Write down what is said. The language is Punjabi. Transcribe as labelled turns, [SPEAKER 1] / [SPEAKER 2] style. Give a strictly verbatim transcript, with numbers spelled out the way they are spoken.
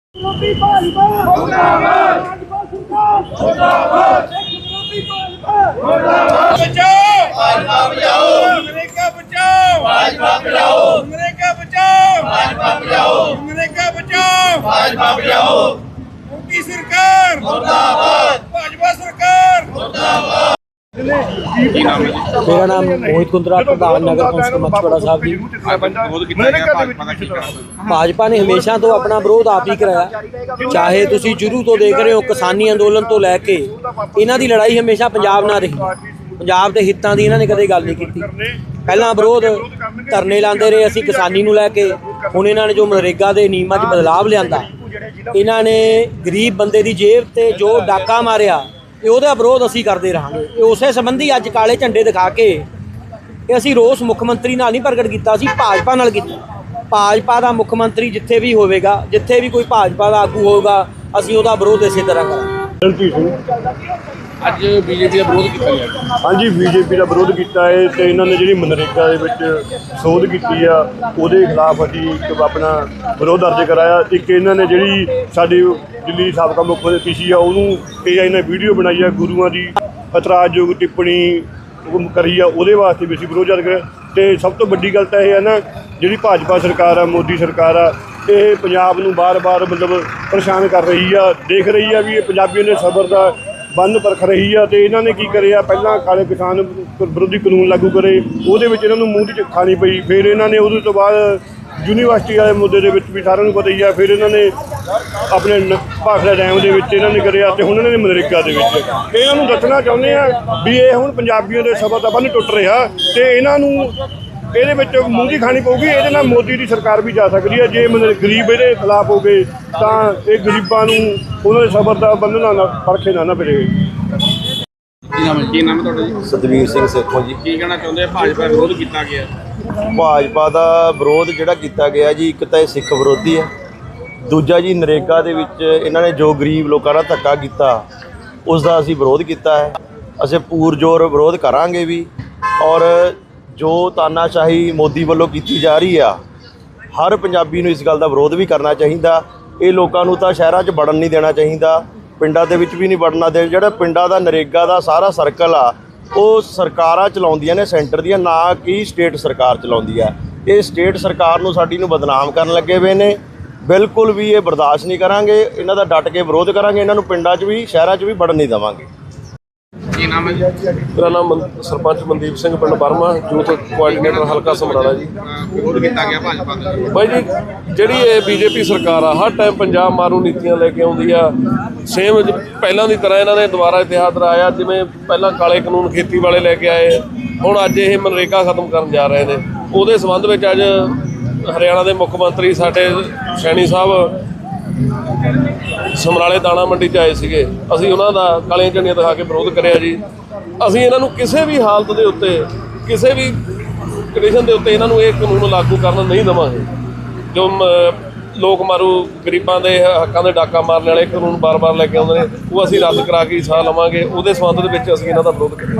[SPEAKER 1] सरकार मुर्दाबाद, भाजपा सरकार मुर्दाबाद।
[SPEAKER 2] मेरा नाम मोहित कुंद्रा, प्रधान नगर कौंसल मच्छवाड़ा साहब जी। भाजपा ने हमेशा तो अपना विरोध आप ही कराया, चाहे तुसी शुरू तो देख रहे हो किसानी अंदोलन तो लैके इन्हां दी लड़ाई हमेशा पंजाब नाल रही। पंजाब के हितों की इन्होंने कदे गल नहीं की। पहला विरोध धरने लाते रहे असी किसानी नूं लैके, हुण इन्होंने जो मनरेगा के नियमां च बदलाव लिआंदा, इन्होंने गरीब बंदे की जेब ते जो डाका मारिया, ਉਹਦਾ ਵਿਰੋਧ ਅਸੀਂ ਕਰਦੇ ਰਹਾਂਗੇ। ਉਸੇ ਸੰਬੰਧੀ ਅੱਜ ਕਾਲੇ ਝੰਡੇ ਦਿਖਾ ਕੇ ਇਹ ਅਸੀਂ ਰੋਸ ਮੁੱਖ ਮੰਤਰੀ ਨਾਲ ਨਹੀਂ ਪ੍ਰਗਟ ਕੀਤਾ, ਅਸੀਂ ਭਾਜਪਾ ਨਾਲ ਕੀਤਾ। ਭਾਜਪਾ ਦਾ ਮੁੱਖ ਮੰਤਰੀ ਜਿੱਥੇ ਵੀ ਹੋਵੇਗਾ, ਜਿੱਥੇ ਵੀ ਕੋਈ ਭਾਜਪਾ ਦਾ ਆਗੂ ਹੋਊਗਾ, ਅਸੀਂ ਉਹਦਾ ਵਿਰੋਧ ਇਸੇ ਤਰ੍ਹਾਂ ਕਰਾਂਗੇ।
[SPEAKER 3] ਅੱਜ ਬੀਜੇਪੀ ਦਾ ਵਿਰੋਧ ਕੀਤਾ ਗਿਆ।
[SPEAKER 4] ਹਾਂਜੀ, ਬੀਜੇਪੀ ਦਾ ਵਿਰੋਧ ਕੀਤਾ ਹੈ ਤੇ ਇਹਨਾਂ ਨੇ ਜਿਹੜੀ ਮਨਰੇਗਾ ਦੇ ਵਿੱਚ ਸੋਧ ਕੀਤੀ ਆ ਉਹਦੇ ਖਿਲਾਫ ਅਸੀਂ ਇੱਕ ਆਪਣਾ ਵਿਰੋਧ ਦਰਜ ਕਰਾਇਆ। ਇੱਕ ਇਹਨਾਂ ਨੇ ਜਿਹੜੀ ਸਾਡੀ ਦਿੱਲੀ ਸਾਬਕਾ ਮੁੱਖ ਮੰਤਰੀ ਸੀ ਆ ਉਹਨੂੰ ਇਹ ਇਹਨਾਂ ਵੀਡੀਓ ਬਣਾਈ ਆ, ਗੁਰੂਆਂ ਦੀ ਇਤਰਾਜ਼ਯੋਗ ਟਿੱਪਣੀ ਕਰੀ ਆ, ਉਹਦੇ ਵਾਸਤੇ ਵੀ ਅਸੀਂ ਵਿਰੋਧ ਦਰਜ ਕਰਿਆ। ਅਤੇ ਸਭ ਤੋਂ ਵੱਡੀ ਗੱਲ ਤਾਂ ਇਹ ਹੈ ਨਾ, ਜਿਹੜੀ ਭਾਜਪਾ ਸਰਕਾਰ ਆ, ਮੋਦੀ ਸਰਕਾਰ ਆ, ਇਹ ਪੰਜਾਬ ਨੂੰ ਬਾਰ-ਬਾਰ ਮਤਲਬ ਪਰੇਸ਼ਾਨ ਕਰ ਰਹੀ ਆ। ਦੇਖ ਰਹੀ ਆ ਵੀ ਇਹ ਪੰਜਾਬੀਆਂ ਦੇ ਸਬਰ ਦਾ ਬੰਨ ਪਰਖ ਰਹੀ ਆ। ਅਤੇ ਇਹਨਾਂ ਨੇ ਕੀ ਕਰਿਆ, ਪਹਿਲਾਂ ਕਾਲੇ ਕਿਸਾਨ ਵਿਰੋਧੀ ਕਾਨੂੰਨ ਲਾਗੂ ਕਰੇ, ਉਹਦੇ ਵਿੱਚ ਇਹਨਾਂ ਨੂੰ ਮੂੰਹ ਦੀ ਖਾਣੀ ਪਈ। ਫਿਰ ਇਹਨਾਂ ਨੇ ਉਹਦੇ ਤੋਂ ਬਾਅਦ ਯੂਨੀਵਰਸਿਟੀ ਵਾਲੇ ਮੁੱਦੇ ਦੇ ਵਿੱਚ ਵੀ ਸਾਰਿਆਂ ਨੂੰ ਪਤਾ ਹੀ ਆ, ਫਿਰ ਇਹਨਾਂ ਨੇ ਆਪਣੇ ਭਾਖੜਾ ਡੈਮ ਦੇ ਵਿੱਚ ਇਹਨਾਂ ਨੇ ਕਰਿਆ, ਅਤੇ ਹੁਣ ਇਹਨਾਂ ਨੇ ਮਨਰੇਗਾ ਦੇ ਵਿੱਚ। ਇਹਨਾਂ ਨੂੰ ਦੱਸਣਾ ਚਾਹੁੰਦੇ ਆ ਵੀ ਇਹ ਹੁਣ ਪੰਜਾਬੀਆਂ ਦੇ ਸਬਰ ਦਾ ਬੰਨ ਟੁੱਟ ਰਿਹਾ, ਅਤੇ ਇਹਨਾਂ ਨੂੰ ਇਹਦੇ ਵਿੱਚ ਮੂੰਹ ਦੀ ਖਾਣੀ ਪਊਗੀ। ਇਹਦੇ ਨਾਲ ਮੋਦੀ ਦੀ ਸਰਕਾਰ ਵੀ ਜਾ ਸਕਦੀ ਹੈ। ਜੇ ਮਤਲਬ ਗਰੀਬ ਇਹਦੇ ਖਿਲਾਫ ਹੋ ਗਏ ਤਾਂ ਇਹ ਗਰੀਬਾਂ ਨੂੰ ਉਹਨਾਂ ਦੇ ਸਬਰ ਦਾ ਬੰਨ੍ਹਣਾ ਨਾ ਪਰਖੇ ਨਾ ਨਾ ਪਵੇ।
[SPEAKER 3] ਕੀ ਨਾਮ ਹੈ ਕੀ ਨਾਮ ਹੈ ਤੁਹਾਡਾ ਜੀ?
[SPEAKER 5] ਸਤਵੀਰ ਸਿੰਘ ਸੇਖੋਂ ਜੀ।
[SPEAKER 3] ਕੀ ਕਹਿਣਾ ਚਾਹੁੰਦੇ ਆ? ਭਾਜਪਾ ਵਿਰੋਧ ਕੀਤਾ ਗਿਆ।
[SPEAKER 5] ਭਾਜਪਾ ਦਾ ਵਿਰੋਧ ਜਿਹੜਾ ਕੀਤਾ ਗਿਆ ਜੀ, ਇੱਕ ਤਾਂ ਇਹ ਸਿੱਖ ਵਿਰੋਧੀ ਹੈ, ਦੂਜਾ ਜੀ ਨਰੇਗਾ ਦੇ ਵਿੱਚ ਇਹਨਾਂ ਨੇ ਜੋ ਗਰੀਬ ਲੋਕਾਂ ਦਾ ਧੱਕਾ ਕੀਤਾ ਉਸ ਦਾ ਅਸੀਂ ਵਿਰੋਧ ਕੀਤਾ ਹੈ। ਅਸੀਂ ਪੂਰਜ਼ੋਰ ਵਿਰੋਧ ਕਰਾਂਗੇ ਵੀ, ਔਰ ਜੋ ਤਾਨਾਸ਼ਾਹੀ ਮੋਦੀ ਵੱਲੋਂ ਕੀਤੀ ਜਾ ਰਹੀ ਆ, ਹਰ ਪੰਜਾਬੀ ਨੂੰ ਇਸ ਗੱਲ ਦਾ ਵਿਰੋਧ ਵੀ ਕਰਨਾ ਚਾਹੀਦਾ। ਇਹ ਲੋਕਾਂ ਨੂੰ ਤਾਂ ਸ਼ਹਿਰਾਂ 'ਚ ਵੜਨ ਨਹੀਂ ਦੇਣਾ ਚਾਹੀਦਾ, ਪਿੰਡਾਂ ਦੇ ਵਿੱਚ ਵੀ ਨਹੀਂ ਵੜਨਾ ਦੇ। ਜਿਹੜਾ ਪਿੰਡਾਂ ਦਾ ਨਰੇਗਾ ਦਾ ਸਾਰਾ ਸਰਕਲ ਆ ਉਹ ਸਰਕਾਰਾਂ ਚਲਾਉਂਦੀਆਂ ਨੇ, ਸੈਂਟਰ ਦੀਆਂ, ਨਾ ਕਿ ਸਟੇਟ ਸਰਕਾਰ ਚਲਾਉਂਦੀ ਆ। ਇਹ ਸਟੇਟ ਸਰਕਾਰ ਨੂੰ ਸਾਡੀ ਨੂੰ ਬਦਨਾਮ ਕਰਨ ਲੱਗੇ ਹੋਏ ਨੇ। ਬਿਲਕੁਲ ਵੀ ਇਹ ਬਰਦਾਸ਼ਤ ਨਹੀਂ ਕਰਾਂਗੇ, ਇਹਨਾਂ ਦਾ ਡਟ ਕੇ ਵਿਰੋਧ ਕਰਾਂਗੇ। ਇਹਨਾਂ ਨੂੰ ਪਿੰਡਾਂ 'ਚ ਵੀ ਸ਼ਹਿਰਾਂ 'ਚ ਵੀ ਵੜਨ ਨਹੀਂ ਦੇਵਾਂਗੇ।
[SPEAKER 3] ਕੀ ਨਾਮ ਹੈ ਜੀ?
[SPEAKER 4] ਮੇਰਾ ਨਾਮ ਸਰਪੰਚ ਮਨਦੀਪ ਸਿੰਘ, ਪਿੰਡ ਬਰਮਾ, ਯੂਥ ਕੋਆਰਡੀਨੇਟਰ ਹਲਕਾ ਸਮਰਾਲਾ ਜੀ।
[SPEAKER 3] ਵਿਰੋਧ ਕੀਤਾ ਗਿਆ ਭਾਜਪਾ ਦਾ।
[SPEAKER 4] ਬਾਈ ਜੀ, ਜਿਹੜੀ ਇਹ ਬੀਜੇਪੀ ਸਰਕਾਰ ਆ, ਹਰ ਟਾਈਮ ਪੰਜਾਬ ਮਾਰੂ ਨੀਤੀਆਂ ਲੈ ਕੇ ਆਉਂਦੀ ਆ। ਸੇਮ ਪਹਿਲਾਂ ਦੀ ਤਰ੍ਹਾਂ ਇਹਨਾਂ ਨੇ ਦੁਬਾਰਾ ਇਤਿਹਾਸ ਦਰਾਇਆ। ਜਿਵੇਂ ਪਹਿਲਾਂ ਕਾਲੇ ਕਾਨੂੰਨ ਖੇਤੀ ਵਾਲੇ ਲੈ ਕੇ ਆਏ, ਹੁਣ ਅੱਜ ਇਹ ਮਨਰੇਗਾ ਖਤਮ ਕਰਨ ਜਾ ਰਹੇ ਨੇ। ਉਹਦੇ ਸੰਬੰਧ ਵਿੱਚ ਅੱਜ ਹਰਿਆਣਾ ਦੇ ਮੁੱਖ ਮੰਤਰੀ ਸਾਡੇ ਸੈਣੀ ਸਾਹਿਬ ਸਮਰਾਲੇ ਦਾਣਾ ਮੰਡੀ 'ਚ ਆਏ ਸੀਗੇ। ਅਸੀਂ ਉਹਨਾਂ ਦਾ ਕਾਲੀਆਂ ਝੰਡੀਆਂ ਦਿਖਾ ਕੇ ਵਿਰੋਧ ਕਰਿਆ ਜੀ। ਅਸੀਂ ਇਹਨਾਂ ਨੂੰ ਕਿਸੇ ਵੀ ਹਾਲਤ ਦੇ ਉੱਤੇ, ਕਿਸੇ ਵੀ ਕੰਡੀਸ਼ਨ ਦੇ ਉੱਤੇ ਇਹਨਾਂ ਨੂੰ ਇਹ ਕਾਨੂੰਨ ਲਾਗੂ ਕਰਨ ਨਹੀਂ ਦੇਵਾਂਗੇ। ਜੋ ਲੋਕ ਮਾਰੂ ਗਰੀਬਾਂ ਦੇ ਹੱਕਾਂ ਦੇ ਡਾਕਾ ਮਾਰਨ ਵਾਲੇ ਕਾਨੂੰਨ ਬਾਰ-ਬਾਰ ਲੈ ਕੇ ਆਉਂਦੇ ਨੇ, ਉਹ ਅਸੀਂ ਰੱਦ ਕਰਾ ਕੇ ਸਾਹ ਲਵਾਂਗੇ। ਉਹਦੇ ਸੰਬੰਧ ਦੇ ਵਿੱਚ ਅਸੀਂ ਇਹਨਾਂ ਦਾ ਵਿਰੋਧ ਕਰਾਂਗੇ।